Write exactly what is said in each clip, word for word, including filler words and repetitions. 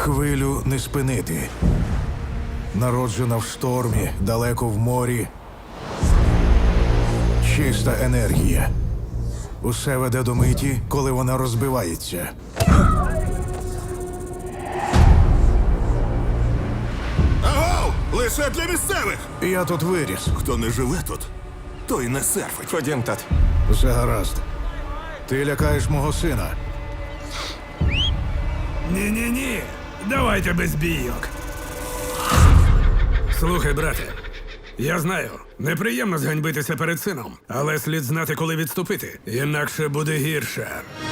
Хвилю не спинити. Народжена в штормі, далеко в морі. Чиста енергія. Усе веде до миті, коли вона розбивається. Агов! Лише для місцевих! Я тут виріс. Хто не живе тут, той не серфить. Ходім, тат. Все гаразд. Ти лякаєш мого сина. Ні-ні-ні, давайте без бійок. Слухай, брате, я знаю, неприємно зганьбитися перед сином, але слід знати, коли відступити, інакше буде гірше.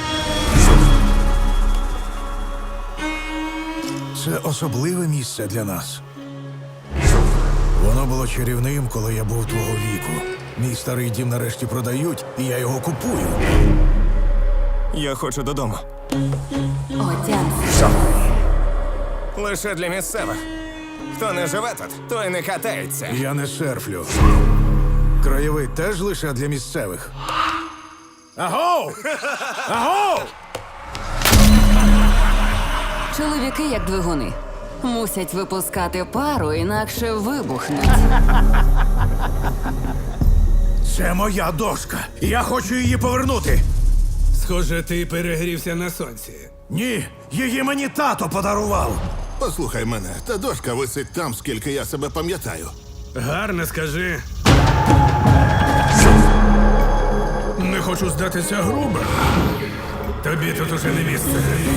Це особливе місце для нас. Воно було чарівним, коли я був твого віку. Мій старий дім нарешті продають, і я його купую. Я хочу додому. Отямся. Лише для місцевих. Хто не живе тут, той не катається. Я не серфлю. Краєвид теж лише для місцевих. Агов! Агов! Чоловіки як двигуни. Мусять випускати пару, інакше вибухнуть. Це моя дошка. Я хочу її повернути. Схоже, ти перегрівся на сонці. Ні, її мені тато подарував. Послухай мене, та дошка висить там, скільки я себе пам'ятаю. Гарно скажи. Не хочу здатися грубо. Тобі тут уже не місце.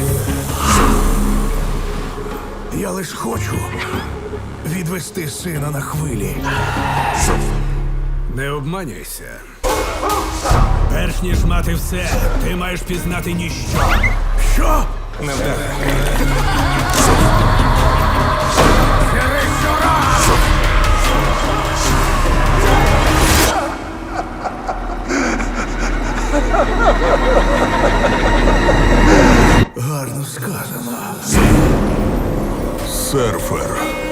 Я лиш хочу відвести сина на хвилі. Не обманюйся. Перш ніж мати все, ти маєш пізнати ніщо. Що? Не вдаре. Гарно сказано. Серфер.